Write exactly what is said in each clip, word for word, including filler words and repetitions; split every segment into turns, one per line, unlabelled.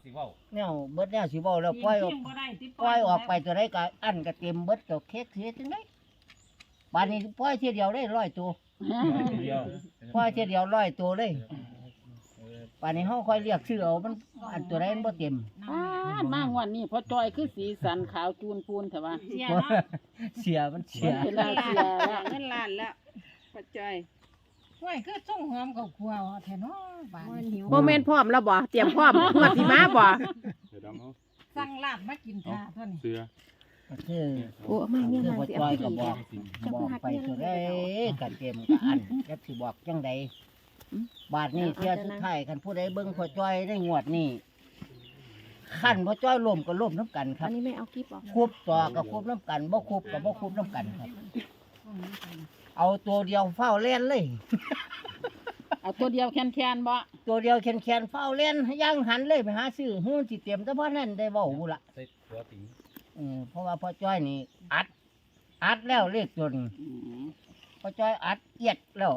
สิเว้า
แนวเบิดแนวสิเว้าแล้วปล่อยออกปล่อยออกไปตัวใดก็อันก็เต็มเบิดก็เค้กเสียจังได๋บัดนี้ปล่อยเทียเดียวได้ร้อยตัว
เดียว
ปล่อยเทียเดียวร้อยตัวเลยบัดนี้เฮาค่อยเรียกชื่อเอามันอันตัวใดมันบ่เต็ม
อ้ามางวันนี้พอจอยคือสีสันขาวจูนพูนแต่ว่า
เสียเนาะ
เสียมันเสีย
เวลาเสียแล้ว
เงินล้านแล้วพอจอย
ห้วยคือส่งหอมกับครัวแท้เนาะบ้าน
มันหิว
โมเมนต์พร้อมแล้วบ่เตรียมพร้อมงวดสิมาบ่
เดี๋ยวดำเอา
สั่งลาบมากินท่าเท่านี้
เสือ
ก็คือ
โอ้มาเนี่ย
คือ
มา
บ่
สิ
ปล่
เอา
อย
สิ
ก็บอกบอกไปตัวใดก็เต็มก็อันจักสิบอกจังใดบาดนี้เที่ยสุดท้ายคันผู้ใดเบิ่งพ่อจ้อยได้งวดนี้คันพ่อจ้อยล้มก็ล้มน้ำกันครั
อั
บ
นนี้ไม่เอาคลิปออก
คุบต่อก็คุบน้ำกันบ่คุบก็บ่คุบน้ำกันครับเอาตัวเดียวเฝ้าเล่นเลย
เอาตัวเดียวแค้นๆบ่
ตัวเดียวแขนๆเฝ้าเล่นย่างหันเลยไปหาซื้อหื้อสิเต็มแต่พอนั้นได้เว้าบุละ
ใส่ตัวติง
เออเพราะว่าพ่อจ้อยนี่อัด อัดแล้วเลขตัวนี้
อืม
พ่อจ้อยอัดเอียดแล้ว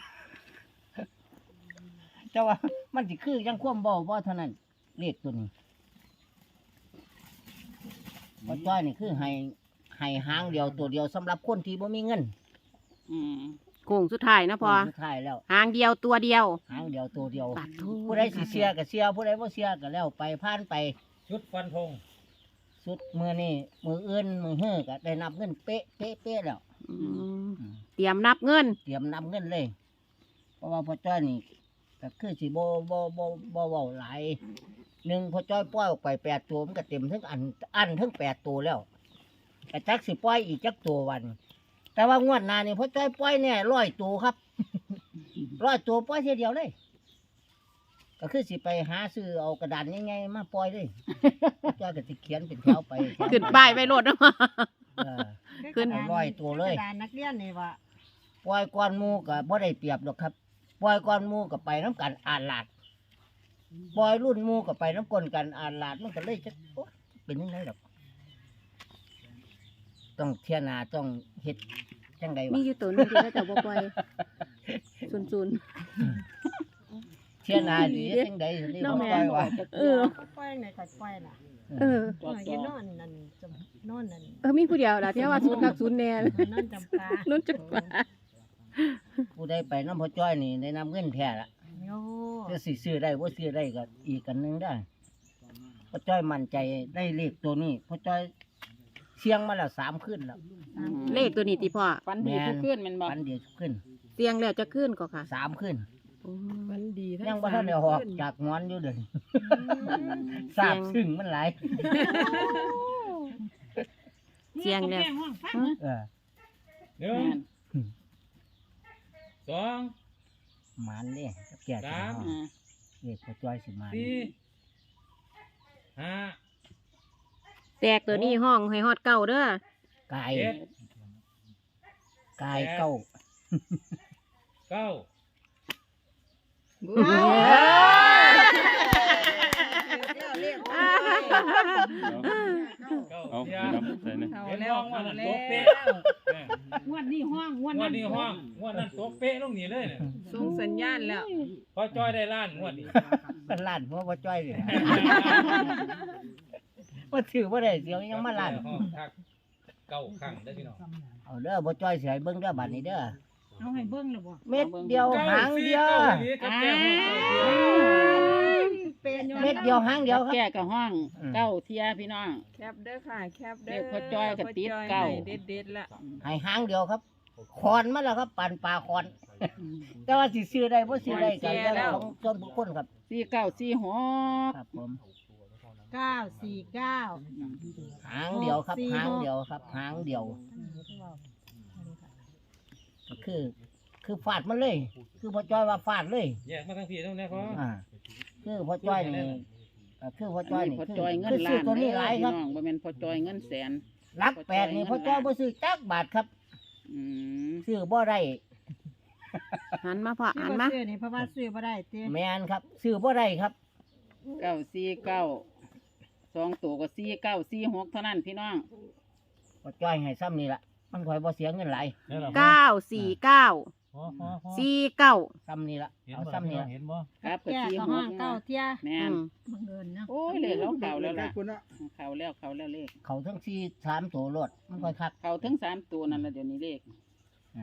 แต่ว่ามันสิคือยังความเบาบ่เท่านั้นเลขตัวนี้พ่อจ้อยนี่คือให้ให้หางเดียวตัวเดียวสำหรับคนที่บ่มีเงิน
อืมโค้งสุดท้ายนะพอ
สุดท้ายแล้ว
หางเดียวตัวเดียว
หางเดียวตัวเดียว
ปัดทู
ผู้ใดสิเสียก็เสียผู้ใดบ่เสียก็แล้วไปผ่านไป
ชุดฟันธง
สุดมือนี่มืออื่นมือเฮือก็ได้นับเงินเป๊ะเป๊ะเป๊ะแล้ว
อืมเตรียมนับเงิน
เตรียมนับเงินเลย เพราะว่าพ่อจ้อยนี่ก็คือสิบ่บ่บ่บ่เว้าหลายหนึ่งพ่อจ้อยปล่อยออกไปแปดตัวมันก็เต็มทั้งอันอันทั้งแปดตัวแล้วแต่จักสิปล่อยอีกจักตัววัน แต่ว่างวดหน้านี่พ่อจ้อยปล่อยเนี่ยร้อยตัวครับ ร้อยตัวปล่อยเทีเดียวเลย ก็คือสิไปหาซื้อเอากระดานยังไงมาปล่อยเลย พ่อจ้อยก็สิเขียนเป็นแถวไป
ขึ้นป้ายไว้โลดนะ
เออ
ขึ้น
ร้อยตัวเลย
กระดานนักเรียนนี่ว่า
ปล่อยก้อนหมูก็บ่ได้เปรียบหรอกครับปล่อยก้อนหมูก็ไปน้ำกันอ่านหลาดปล่อยรุ่นหมูก็ไปน้ำกลนกันอ่านหลาดมันก็เลยจะโอ๊ยเป็นยังไงหรอกต้องเทียนาต้องเฮ็ดจังใด
มี
วะ
อยู่ตัวหนึงที่เขาจะบ่ปล่อยซุน
เทียนาดีเฮ็ดจังใดนี่
น้
บ่
องแม่
ปล่อยวะ
ๆเออ
ปล่อยไหนก็ปล่อยล่ะ
เออ
เอออยู่นอนนั่นจำนอนนั่น
เออมีผู้เดียวล่ะที่ว่าศูนย์กับศูนย์แน่
นอนจำปา
นุ่นจักว่า
ผู้ใดไปน้ำพ่อจ้อยนี่ได้นำเงินแท้ละ
โอ้
จะสิซื้อได้บ่ซื้อได้ก็อีกกันหนึงได้พ่อจ้อยมั่นใจได้เลขตัวนี้พ่อจ้อยเสียงมาแล้วสามคืนแล้ว
เลขตัวนี้ติพ่อ
ฝันดีทุกคืนแมันบ่
ปันเดียวขึ้น
เสียงแล้วจะขึ้นก็ค่ะ
สามขึ้น
ฝันดีทั้
ยังบ่ทันได้ออกจากงอนอยู่เด้อทราบซึ้งมันหลาย
เสียงแล้ว
เออ
หนึ่งสอง
หมันเด้แก่จัง
อ่า
เด็กพ่อจ้อยสิหมัน
สี่ห้า
แตกตัวนี้ห้องให้ฮอดเก่าเด้อก
าย
เจ็ด
กายเก้า
เก้า เก้า
เอา
เที
เดี๋
ย
ยวดำใส่เนี่ย
เอา
เห็น
แล้
ห้
ว
องว่า
เอา
นั่น
แล้
โต๊ะ
ว
เป๊ะเนี่ย
งวดนี้ห้องงวด
งว
นั้
ด
น
นี้ห้องงวดนั้นโต๊ะเป๊ะลงนี่เลยเนี่ย
ส่งสัญญาณแล้ว
พอจ้อยได้ล้านงวดนี้
เป็นล้านหัวพ่อจ้อยเลยว่าถือว่าได้เสียวยังมาล้าน
ห้องทักเก้าครั้งได้อพี่น้อง
เอาเด้อพ่อจ้อยสิให้เบิ่งเด้อบัดนี้เด้อ
เอาให้เบิ่งเลยบ่
เม็ดเดียวหางเดียว
กับแก้วห้องเก้าเทีย
เป็น
เม็ดเดียวหางเดียวครับ
แก่กับห้อง
อืม
เก้าเทียพี่น้อง
แคปเด้อค่ะ แคปเด้
เล
อ
ขพ่อจ้อยกับติ๊ดเก้า
เด็ดเด็ดๆละ
ให้หางเดียวครับคอนมาแล้วครับปั่นปลาคอน แต่ว่าสิซื้อได้บ่ซื้อได้กันแล้วของส่วนบุคคลครับ
สี่เก้าสี่หก
ครับผม
เก้าสี่เก้า
หางเดียวครับ
สี่
หาง
หก
เดียวครับหางเดียวก็คือ คือฟาดมันเลย คือพ่อจ้อยว่าฟาดเลย
แยกมาทั้งพี่ทั้งนี้พอ
อ่าคือพ่อจ้อยนี่ก็คือพ่อจ้อย
อันนี้
นี่
พอ
คือ
จอยเงิน
คือ
ล้า
ซื้อน ตัวนี้หลายครับ
พี่น้องบ่แม่นพอจอยเงินแสน
หลักแปดนี่พ่อจ้อยบ่ซื้อจักบาทครับ
อืม
ซื้อบ่ได้
หันมาพ่อ
ซื้
หั
อน บ่
มา
ซื้อนี่เพราะว่าซื้อบ่ได้ติ
แม่นครับซื้อบ่ได้ครับ
เก้าสี่เก้าสองตัวก็สี่เก้าสี่หกเท่านั้นพี่น้อง
พ่อจ้อยให้ซ้ำนี่ล่ะมันค่อยบ่เสียเงินหลาย
นี่แหละ
เก้าสี่เก้า
พอพอพอ
สี่เก้า
ซ้ำนี่ละ
เห็น
เอา
บ่
ซ้ำนี่ละ
เห็นบ่
ครับกับ
แก่
สี่
ก็
ห
ห้อก งเก้าเที่ย
แม่น
บังเอิญเนาะ
โอ้ยเลขเราเข่าแล้วล่ะ
คุณเนาะ
เข่าแล้วเข่าแล้วเลข
เขาทั้งสี่สามตัวรถมันค่อยคัก
เข่าถึงสามตัวนั่นละเดี๋ยวนี้เลข
อ่า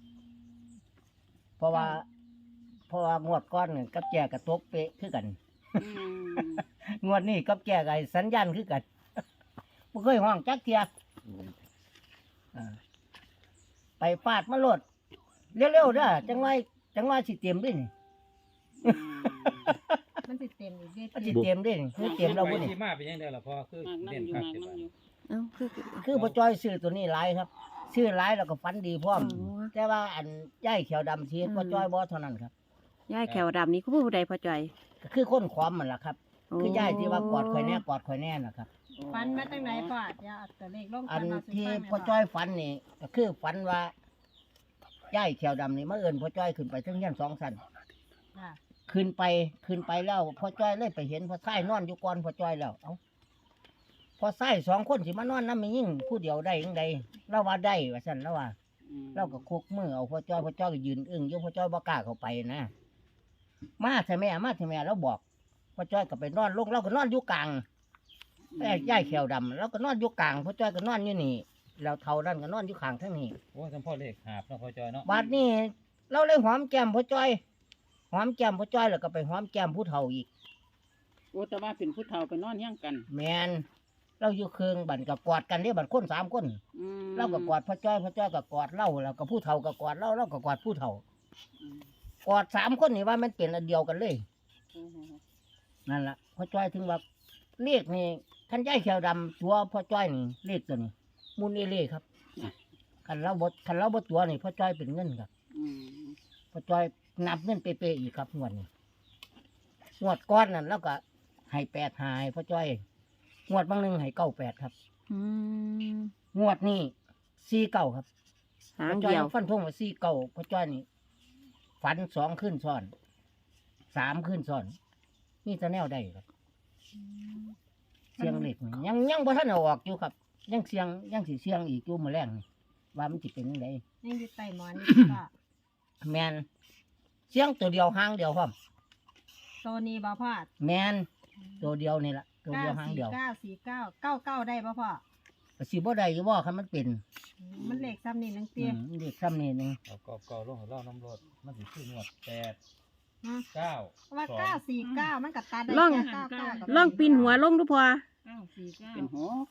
เพราะว่า เพราะว่างวดก้อนนี่กับแจกระตกเป๊ะคือกัน
อืม
งวดนี้กับแจกไอ้สัญญาณคือกันบ่เคยห้องจักเทียอ่าไปฟาดมาโลดเร็วๆเด้อจังไว้จังไว้สิเตรียมด้วยนี่
อืม
มันสิเต็มอีกเด้
มันสิเตรียมด้วยนี่คือเตรียมเรา
ไป
บ่นี่
ที่มาเป็นยังไงล่ะพ่อคือ
มากนั่
เด่
ง
น
อยู่
คัก
มาก
เจ็บ
นั่งอยู่
เอ้าคือ
คือบ่จ้อยซื้อตัวนี้หลายครับซื้อหลายแล้วก็ฝันดีพร้อม
โอ้
แต่ว่าอันย่ายเขียวดำทีบ่จ้อยบ่เท่านั้นครับ
ยายแขวดำนี่คือผู้ใดพอใจอย
ก็คือคนความมันล่ะครับ
โอ้
คือย่ายที่ว่ากอดข่อยแน่กอดข่อยแน่นะครับ
ฟันมาตั้งไหนพ่ออย่าเอาแต่เลขลง
อัน
มาสิ
ที่
ฟัง
พ่อจ้อยฝันนี่ก็คือฝันว่าย่ายเขียวดำนี่มาเอิ้นพ่อจ้อยขึ้นไปถึงยันสองชั้น
ค่ะ
ขึ้นไปขึ้นไปแล้วพ่อจ้อยเลยไปเห็นพ่อไส้นอนอยู่ก่อนพ่อจ้อยแล้วเอ้าพ่อไส้สองคนสิมานอนนำมียิ่งผู้เดียวได้ยังไดเราว่าได้ว่าซั่นแล้วว่า
อืม
เราก็คุกมือเอาพ่อจ้อยพ่อจ้อยก็ยืนอึ้งอยู่พ่อจ้อยบ่กล้าเข้าไปนะมาเถอะแม่มาเถอะแม่เราบอกพ่อจ้อยก็ไปนอนลงเราก็นอนอยู่กลางแม่ย่ายเขียวดำเราก็นอนอยู่กลางพ่อจ้อยก็นอนอยู่นี่แล้วเท่านั้นก็นอนอยู่ข้างทั้งนี้
โอ้ยจำพ่อเลขหาบเนาะพ่อจอยเนาะ
บัดนี้เราเลยหอมแก้มพ่อจ้อยหอมแก้มพ่อจ้อยแล้วก็ไปหอมแก้มผู้เฒ่าอีก
โอ้แต่ว่าเป็นผู้เฒ่าไปนอนเฮี้ยงกัน
แมนเราอยู่เครื่องบันก็กอดกันเด้บันคนสามคน
อืม
เราก็กอดพ่อจ้อยพ่อจ้อยก็กอดเราแล้วก็ผู้เฒ่าก็กอดเราเราก็กอดผู้เฒ่า
อืม
กอดสามคนนี่ว่ามันเป็นอันเดียวกันเลย
โอ้โห
นั่นล่ะพ่อจ้อยถึงว่าเลขนี่ท่านยายเขียวดำตัวพ่อจ้อยนี่เลขตัวนี้มูลเอเล่ครับคันเราบดคันเราบดตัวนี่พ่อจ้อยเป็นเงินครับ
อืม
พ่อจ้อยนับเงินเป๊ะๆอีกครับงวดนี้งวดก้อนนั่นแล้วก็ให้แปดหายพ่อจ้อยงวดบางหนึ่งให้เก้าแปดครับ
อืม
งวดนี้สี่เก้าครับ
หาง
พ่อจ้อย
เดียว
ฟันธงว่าสี่เก้าพ่อจ้อยนี่ฝันสองขึ้นซ้อนสามขึ้นซ้อนนี่จะแนวได้ครับ เสียงเล็กนี่ยังยังบ่ทันเอาออกอยู่ครับ ยังเสียงยังสิเสียงอีกอยู่มื้อแรงนี่ว่ามันสิเป็นจังได
ยังอยู่ใต้หมอนนี่ก็
แม่นเสียงตัวเดียวหางเดียวพร้อม
โซนี้บ่พ่อ
แม่นตัวเดียวนี่ล่ะตัวเดียวหาง
สี่
เดียว
เก้าสี่เก้าเก้าเก้าได้บ่พ่อ
ก็สิบ่ได้อยู่บ่คันมันเป็น
อืมมันเลขซ้ำนี่นัง
อื
เตี้ย
มเด็กซ้ำนี่หนึง
เอาก็ก็ลงให้เล่าน้ำรถมันสิขึ้นงวดแปด
นะ
เก้า
ว่า
สอง
เก้าสี่เก้ามันกับตาได้
ล่อง
แค่เก้าเก้ากับ
ล่องปีนหัวลงดูพอ
เก้าสี่เก้า
เป็นหก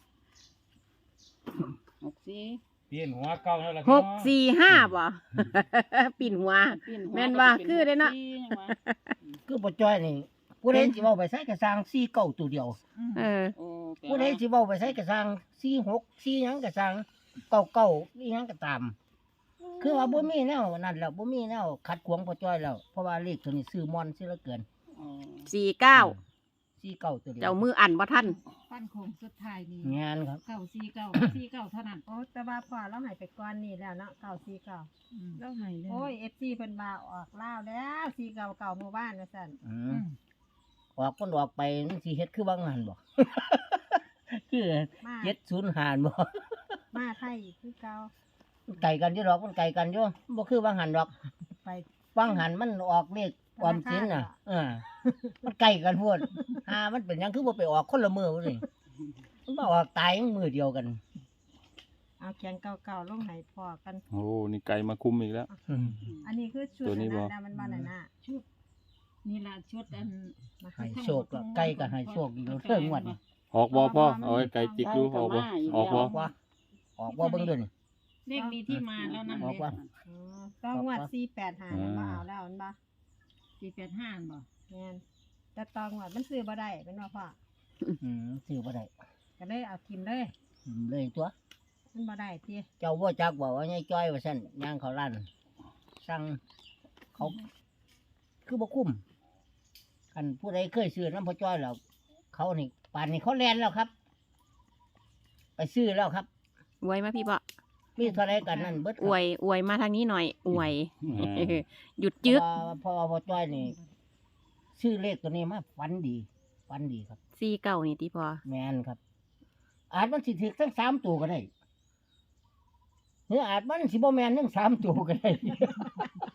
หกสี่
เปลี่ยนหัวเก่าแล้วล่ะ
ห
พี่น้อง
กสี่ห้าบ่ ปีนหัว
ปีหั
แม่นว่าคือเด้เนาะ
ป็หกสี่ยังวะ
คือบ่จ้อยนี่ผู้ใดสิเว้าไปใส่กระสร้างสี่เก้าตัวเดียว
เออ
โอ้แปล
ผู้ใด
ว่า
สิเว้าไปใส่กระสร้างสี่หกสี่หยังกระสร้างเก้าเก้าอีหยังก็ตาม คือว่าบ่มีแนวนั่นแล้วบ่มีแนวขัดขวางพ่อจ้อยแล้วเพราะว่าเลขตัวนี้ซื้อมอนซื้อเหลือเกิน
อ๋อ
สี่เก้า
สี่เก้าตัวเดียว
เจ้ามืออันบ่ทัน
ฟันโคงสุดท้ายนี่
งานครับ
เก้าสี่เก้าสี่เก้าเท่านั้นโอ้แต่ว่าพ่อเราใหายไปก่อนนี่แล้วเนาะเก้าสี่เก้า
แล้วไห้แล้ว
โอ้ยเอฟซีเพิ่นว่าออกล่าวแล้วสี่เก้าเก้าหมู่บ้านว่าซั่น
อืมออกคนออกไปมันสิเฮ็ดคือบางงานบ่ คือ
มา
เจ็ดศูนย์หานบ่
มาไทยอีกคือเก่า
ไก่กันอยู่ดอกมันไก่กันอยู่บ่คือบางหันดอก
ไป
บางหันมันออกเลขความสินน่ะเออมันไก่กันโพดหามันเป็นหยังคือบ่ไปออกคนละมือพุ่นนี่มันบ่ออกตายมือเดียวกัน
เอาเขียนเก่าๆลงให้พ่อกัน
โอ้นี่ไก่มาคุมอีกแล้ว
อืม
อันนี้คือชุด
ตัวนี้บ่
อัะมันบ้านน่ะนะชุดนี่ล่ะชุดอัน
ให้โชคแล้วไก่ก็ให้โชคอีกแล้วเรื่องงวดนี่
ออกบ่พ่อเอาไอ้ไก่จิกดูออกบ่ออก
อ
บ่
อกว่าออกว่าเบิ่งด้วยนี่
เลขนี้ที่มาแล้วนั่น
ออกว่า
อ๋อต้องงวดสี่แปดห้านั่นบ่เอาแล้วมันบ่
สี่แปดห้าบ่
แม่นแต่ตองวดมันซื้อบ่ได้เป็นว่าพ่อ
อืมซื้อบ่ได้
ก็เลยเอาทิมเลย
อืมเลยตัว
มันบ่ได้ติ
เจ้าว่าจักบอกว่ายายจ้อยว่าซั่นย่างเขาลั่นสั่งเขา คือบ่คุ้มคันผู้ใดเคยซื้อน้ำพ่อจ้อยแล้ว เขานี่ป่านนี้เขาแลนแล้วครับ ไปซื้อแล้วครับ
อวยมาพี่บ่
มีเท่าไรกันนั่นเบิดค
อ
รับ
วยอวยมาทางนี้หน่อย อวย
อ่า
หยุดจึก
เพราะว่าเพราะว่าพ่อจ้อยนี่ซื้อเลขตัวนี้มาฝันดีฝันดีครับ
สี่เก้านี่ติพอ
แมนครับ อาจมันสิถึกทั้งสามตัวก็ได้หรืออาจมันสิบ่แมนทั้งสามตัวก็ได้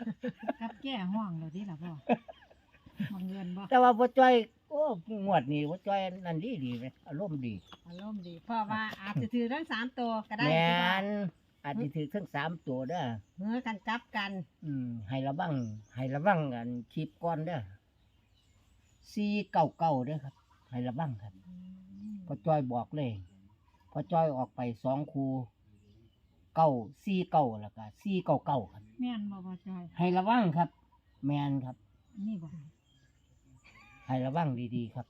กับแก้ห้องแล้วดิล่ะพ่อบังเงินบ่
แต่ว่าพ่อจ้อยโอ้งวดนี้พ่อจ้อยนั่นดีดีไหมอารมณ์ดี
อารมณ์ดีเพราะว่าอาจจะถือทั้งสามตัวก็ได้
แม
ที่ว่าน
อาจจะถือทั้งสามตัวเด้อ
เมื่อกันกลับกัน
อืมให้ระวังให้ระวังกันคลิปก่อนเด้อสี่เก้าเก้าเด้อครับ ให้ระวังครับพ่อจ้อยบอกเลยพ่อจ้อยออกไปสองคูเก้าสี่เก้าแล้วก็สี่เก้าเก้าครับ
แม่นบ่พ่อจอย
ให้ระวังครับ แมนครับ
อันนี่บ่
ให้ระวังดีๆครับ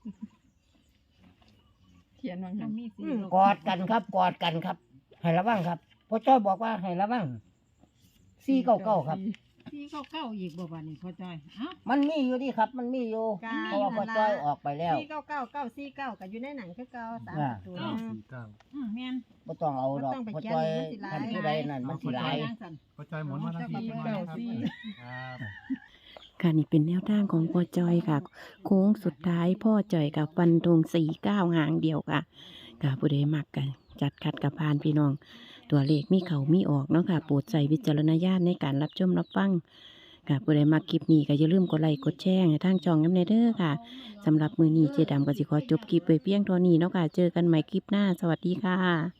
เขียนว่า
ต้
ไง
องมีสี
อืม
กอดกันครับ กอดกันครับ ให้ระวังครับพ่อจ้อยบอกว่าให้ระวังสี่เก้าเก้าครับ
สีเก้าเก้าอีกบ่บัดนี้พ่อจอยเอ้า
มันมีอยู่ดีครับ มันมีอยู่
กา
เพราะว่าพ่อจ้อยออกไปแล้ว
สี่เก้าเก้าเก้าสี่เก้าก็อยู่ในหนังคือเก้าสาม
อ่า
ตัว
เก้า
นะ
สี่เก้า
อืมแม่น
บ่ต้องเอาดอก
บ่ต้องไป
พ่อ
เขียน
จ้อย
มันสิหลาย
ท่านผู้ใดนั่นมันสิหลาย
จังซั่น
พอจอยหมุนมาทางที่
เก้าสี่
ครับ
ค่ะนี่เป็นแนวทางของพ่อจอยค่ะ โค้งสุดท้ายพ่อจอยกับฟันธงสี่เก้าหางเดียวค่ะค่ะผู้ใดมักกันจัดคัดกับพานพี่น้อง ตัวเลขมีเขามีออกเนาะค่ะโปรดใส่วิจารณญาณในการรับชมรับฟังค่ะผู้ใดมักคลิปนี้ก็อย่าลืมกดไลค์กดแชร์ให้ทางช่องน้ำเนเด้อค่ะสำหรับมือนี้เจดำก็สิขอจบคลิปไปเพียงเท่านี้เนาะค่ะเจอกันใหม่คลิปหน้าสวัสดีค่ะ